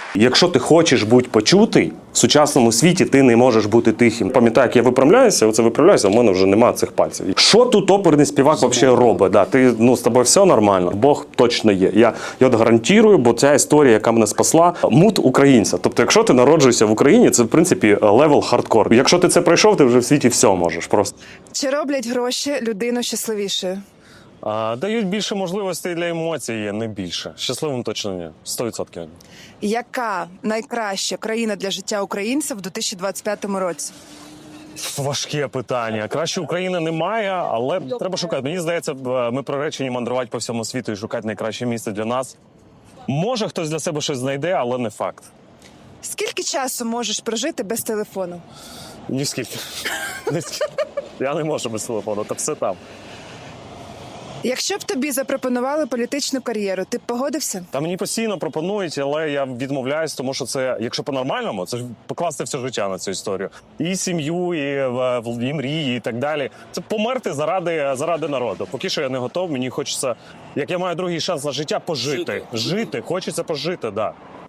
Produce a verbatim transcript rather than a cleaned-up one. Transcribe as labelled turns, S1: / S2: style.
S1: Якщо ти хочеш бути почутий, в сучасному світі ти не можеш бути тихим. Пам'ятаю, як я виправляюся, оце виправляюся, в мене вже немає цих пальців. Що тут оперний співак взагалі робить? Да, ти, ну, з тобою все нормально, Бог точно є. Я, я от гарантую, бо ця історія, яка мене спасла, мут українця. Тобто, якщо ти народжуєшся в Україні, це, в принципі, левел хардкор. Якщо ти це пройшов, ти вже в світі все можеш просто.
S2: Чи роблять гроші людину щасливішою?
S1: А, дають більше можливостей для емоцій, не більше. Щасливим точно ні. сто відсотків.
S2: Яка найкраща країна для життя українців в дві тисячі двадцять п'ятому році?
S1: Важке питання. Краще України немає, але треба шукати. Мені здається, ми приречені мандрувати по всьому світу і шукати найкраще місце для нас. Може, хтось для себе щось знайде, але не факт.
S2: Скільки часу можеш прожити без телефону?
S1: Ні скільки. Ні скільки. Я не можу без телефону, та все там.
S2: Якщо б тобі запропонували політичну кар'єру, ти б погодився?
S1: Та мені постійно пропонують, але я відмовляюсь, тому що це, якщо по-нормальному, це ж покласти все життя на цю історію. І сім'ю, і, і мрії, і так далі. Це померти заради, заради народу. Поки що я не готов, мені хочеться, як я маю другий шанс на життя, пожити. Жити, жити. Хочеться пожити, так. Да.